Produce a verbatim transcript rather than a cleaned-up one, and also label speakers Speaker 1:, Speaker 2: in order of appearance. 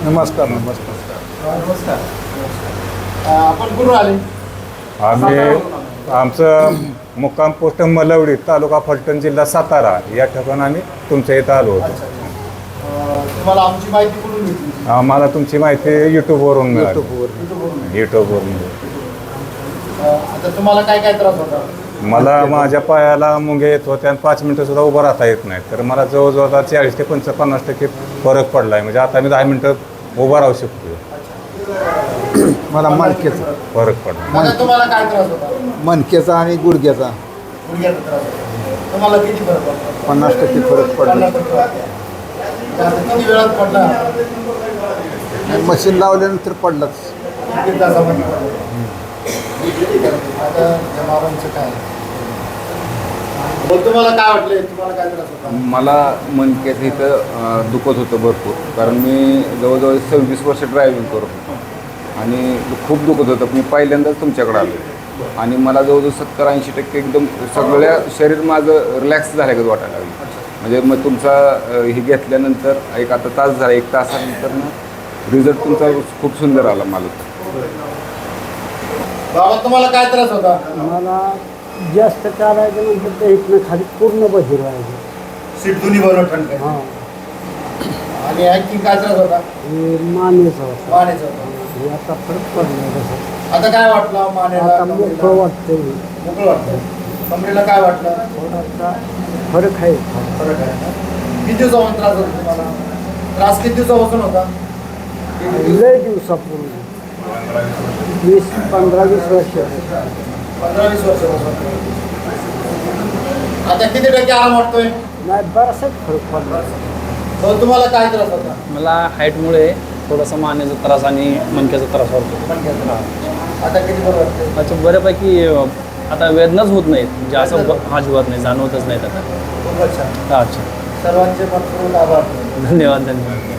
Speaker 1: नमस्कार नमस्कार
Speaker 2: नमस्कार. आपण कुठून आले?
Speaker 1: आम्ही आमचं मुक्काम पोस्ट मलवडी तालुका फलटण जिल्हा सातारा या ठिकाणी आम्ही तुमच्या इथं आलो होतो.
Speaker 2: अच्छा अच्छा. तुम्हाला आमची माहिती कुठून मिळते?
Speaker 1: आम्हाला तुमची माहिती यूट्यूबवरून मिळाली.
Speaker 2: युट्यूबवरून.
Speaker 1: यूट्यूबवरून
Speaker 2: आता तुम्हाला काय काय त्रास होता?
Speaker 1: मला माझ्या पायाला मुंगे येत होत्या आणि पाच मिनटं सुद्धा उभं राहता येत नाही. तर मला जवळजवळ आता चाळीस ते पंच पन्नास टक्के फरक पडला आहे. म्हणजे आता मी दहा मिनटं उभं राहू शकतो.
Speaker 3: मला मणक्याचा
Speaker 1: फरक पडला.
Speaker 2: आता तुम्हाला काय त्रास होता?
Speaker 3: मणक्याचा आणि गुडघ्याचा
Speaker 2: गुडघ्याचा त्रास होता. तुम्हाला किती फरक पडला?
Speaker 3: पन्नास टक्के फरक पडला.
Speaker 2: पन्नास टक्के वाटते. आता किती वेळात पडला?
Speaker 3: मशीन लावल्यानंतर पडलाच.
Speaker 2: किती तासामध्ये पडला? आता जमावांचं काय? बोल, तुम्हाला काय वाटलं? तुम्हाला काय त्रास होता?
Speaker 4: मला मणक्याचं इथं अं, दुखत होतं भरपूर. कारण मी जवळजवळ सव्वीस वर्ष ड्रायव्हिंग करत होतो आणि खूप दुखत होतं. मी पहिल्यांदाच तुमच्याकडे आलो आणि मला जवळजवळ सत्तर ऐंशी टक्के एकदम सगळ्या शरीर माझं रिलॅक्स झाल्यागत वाटायला लागलं. म्हणजे मग तुमचा अं, हे घेतल्यानंतर एक आता तास झाला, एक तासानंतर ना रिझल्ट तुमचा खूप सुंदर आला मला.
Speaker 2: बाबा तुम्हाला काय त्रास होता?
Speaker 5: मला जास्त चालायचं म्हणजे ते इथनं खाली पूर्ण बधीर व्हायचं.
Speaker 2: सीट दोन्ही बरोबर ठणकाय.
Speaker 5: हां
Speaker 2: आणि आणखी काय त्रास होता?
Speaker 5: हे मानेचं होतं.
Speaker 2: मानेचा होता.
Speaker 5: हे आता फरक पडला तसं.
Speaker 2: आता काय वाटलं मानेला?
Speaker 5: आता मोकळं वाटतंय.
Speaker 2: मोकळं वाटतं. कमरेला काय वाटलं?
Speaker 5: थोडासा फरक आहे.
Speaker 2: फरक आहे ना? किती दिवसापासून त्रास होता तुम्हाला? त्रास किती दिवसापासून होता?
Speaker 5: लय दिवसापूर्वी वीस पंधरा वीस वर्ष
Speaker 2: पंधरा वीस वर्षापासून. आता किती टक्के आराम वाटतोय?
Speaker 5: नाही बराचसाच फरक पडला.
Speaker 2: हो, तुम्हाला काय त्रास होता?
Speaker 6: मला हाईटमुळे थोडासा मानेचा त्रास आणि मणक्याचा त्रास होतो.
Speaker 2: मणक्याचा. आता किती बरं वाटतंय?
Speaker 6: अच्छा बऱ्यापैकी अं, आता वेदनाच होत नाहीत. म्हणजे असं ब- हा जीवात नाही, जाणवतच नाहीत आता.
Speaker 2: खूपच छान.
Speaker 6: अच्छा
Speaker 2: सर्वांचे मनपूर्वक आभार.
Speaker 6: धन्यवाद धन्यवाद